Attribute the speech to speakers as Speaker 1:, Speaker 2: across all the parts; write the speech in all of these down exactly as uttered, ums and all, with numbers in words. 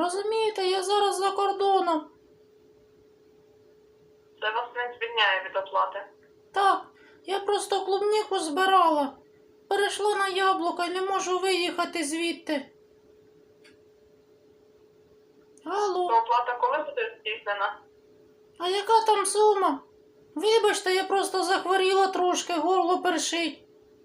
Speaker 1: Розумієте, я зараз за кордоном.
Speaker 2: Це вас не звільняє від оплати.
Speaker 1: Так, я просто клубніку збирала. Перейшла на яблука і не можу виїхати звідти. Алло,
Speaker 2: То оплата коли буде здійснена?
Speaker 1: а яка там сума? Вибачте, я просто захворіла трошки, горло першить.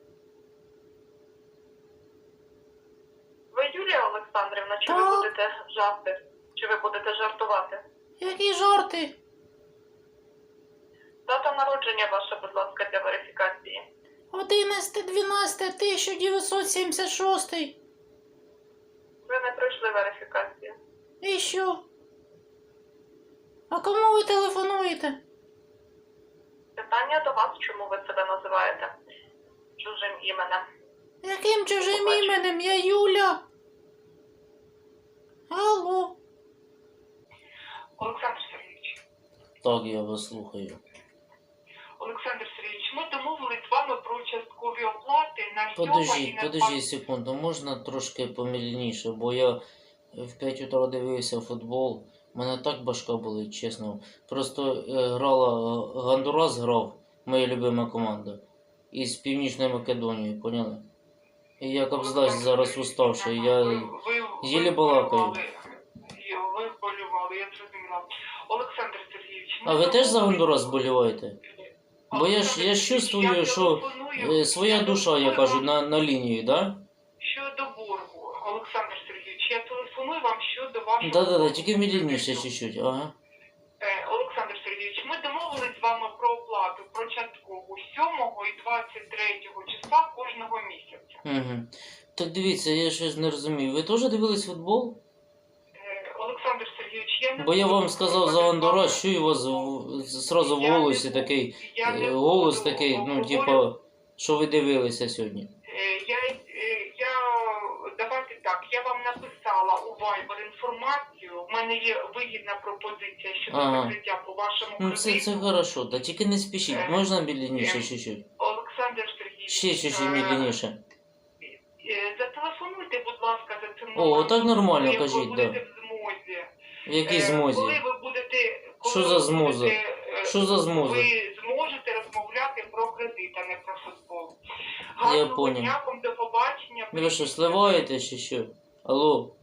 Speaker 2: Ви Юлія Олександрівна, чи
Speaker 1: Так.
Speaker 2: ви будете жарти? Чи ви будете жартувати?
Speaker 1: Які жарти?
Speaker 2: Дата народження ваша, будь ласка, для верифікації.
Speaker 1: одинадцяте дванадцяте тисяча дев'ятсот сімдесят шість.
Speaker 2: Ви не пройшли верифікацію.
Speaker 1: І що? А кому ви телефонуєте?
Speaker 2: Питання до вас, чому ви себе називаєте чужим іменем?
Speaker 1: Яким чужим
Speaker 2: Побачу.
Speaker 1: іменем? Я Юля. Алло.
Speaker 2: Олександр Сергійович.
Speaker 3: Так, я вас слухаю.
Speaker 2: Олександр Сергійович, ми домовились з вами про часткові оплати на сьоме і
Speaker 3: Подождіть,
Speaker 2: на
Speaker 3: подождіть секунду, можна трошки помільніше, бо я в п'ять утра дивився футбол. Мене так башка болить, чесно. Просто е, грала е, Гондурас грав, моя любима команда, із Північної Македонії, поняли? І я кобздач зараз уставший, я єлі балакаю.
Speaker 2: Ви вболівали, я зрозуміла. Олександр Сергійович, ми
Speaker 3: А ви теж за
Speaker 2: домовились-
Speaker 3: Гондурас боліваєте? Бо я ж я ж чувствую, що е, своя душа, я кажу, на, на лінії, да?
Speaker 2: Щодо боргу, Олександр Сергійович, я телефоную вам щодо вашого...
Speaker 3: Да-да-да, тільки медленніше чуть-чуть, ага.
Speaker 2: Е, Олександр Сергійович, ми домовились з вами про оплату, про часткову сьомого і двадцять третього числа кожного місяця.
Speaker 3: Угу. Так дивіться, я щось не розумію. Ви теж дивились футбол?
Speaker 2: Е, Олександр Сергійович, я не
Speaker 3: Бо я
Speaker 2: буду
Speaker 3: вам сказав за
Speaker 2: обговорювати
Speaker 3: Гондурас,
Speaker 2: з
Speaker 3: що
Speaker 2: вами-
Speaker 3: у вас в- зразу в
Speaker 2: Я не
Speaker 3: голосі
Speaker 2: буду-
Speaker 3: такий,
Speaker 2: я не
Speaker 3: е, голос
Speaker 2: буду
Speaker 3: такий, ну,
Speaker 2: обговорювати-
Speaker 3: типа, що ви дивилися сьогодні.
Speaker 2: Е, Я, е, я, давайте так, я вам написала у Viber інформацію, в мене є вигідна пропозиція щодо
Speaker 3: Ага.
Speaker 2: закриття по вашому
Speaker 3: Ну, це,
Speaker 2: кредиту.
Speaker 3: це хорошо, та тільки не спішіть,
Speaker 2: Е,
Speaker 3: можна медленніше
Speaker 2: е,
Speaker 3: чуть-чуть?
Speaker 2: Олександр Сергійович,
Speaker 3: Ще чуть-чуть
Speaker 2: е,
Speaker 3: медленніше.
Speaker 2: е, зателефонуйте, будь ласка, за цим
Speaker 3: О,
Speaker 2: номером,
Speaker 3: так нормально,
Speaker 2: коли
Speaker 3: кажіть,
Speaker 2: ви будете
Speaker 3: да.
Speaker 2: в змозі.
Speaker 3: В якій
Speaker 2: Е,
Speaker 3: змозі?
Speaker 2: Коли ви будете... Коли
Speaker 3: Що за
Speaker 2: ви
Speaker 3: змоза?
Speaker 2: будете, е,
Speaker 3: Що за змоза?
Speaker 2: Ви зможете розмовляти про кредит, а не про футбол.
Speaker 3: Я
Speaker 2: Гарного
Speaker 3: поняв.
Speaker 2: дня, вам до побачення.
Speaker 3: Ви що, сливаєте чи що? Алло?